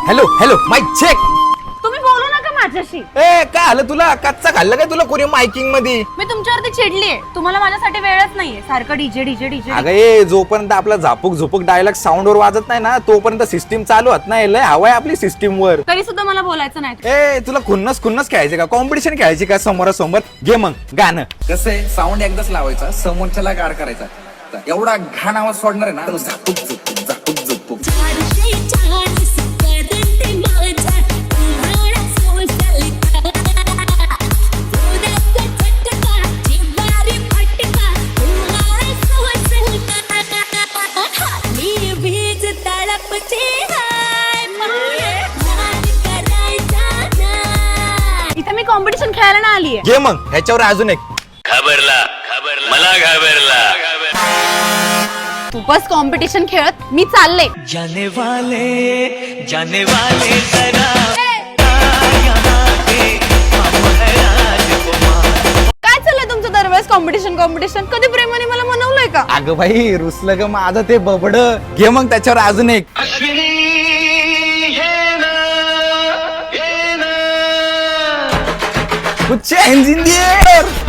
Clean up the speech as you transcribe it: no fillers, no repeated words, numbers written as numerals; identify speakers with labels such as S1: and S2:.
S1: Hello hello mic check.
S2: तुम्ही बोलू नका माझ्याशी.
S1: ए काय आलं तुला? कच्चा खाल्लं काय तुला कोणी मायकिंग मध्ये?
S2: मी तुमच्यावरती चिडलीये. तुम्हाला माझ्यासाठी वेळच नाहीये. सारखं डीजे डीजे डीजे.
S1: अगं ए जोपर्यंत आपला झापूक झुपूक डायलॉग साऊंड वर वाजत नाही ना तोपर्यंत सिस्टीम चालू होत नाही. लय हवाय आपली सिस्टीम वर.
S2: तरी सुद्धा मला बोलायचं नाही.
S1: ए तुला खुन्नस खुन्नस खेळायचे का? कॉम्पिटिशन खेळायची का समोरासमोर? घे मग गाणं.
S3: कसं आहे साऊंड एकदाच लावायचा समोरच्याला गाड करायचा एवढा घाण आवाज सोडणार आहे ना झापूक झुपूक झापूक झुपूक.
S2: इथे मी कॉम्पिटिशन खेळायला ना आलीये.
S1: घे मग ह्याच्यावर अजून एक.
S4: घाबरला मला घाबरला.
S2: तू बस कॉम्पिटिशन खेळत मी चालले.
S5: जाने वाले जरा
S2: काय चाललंय तुमचं दरवेळेस कॉम्पिटिशन कॉम्पिटिशन? कधी प्रेमाने मला मनवलंय का?
S1: अगं बाई रुसलं ग माझं ते बबड. घे मग त्याच्यावर अजून एक. Put your hands in the air.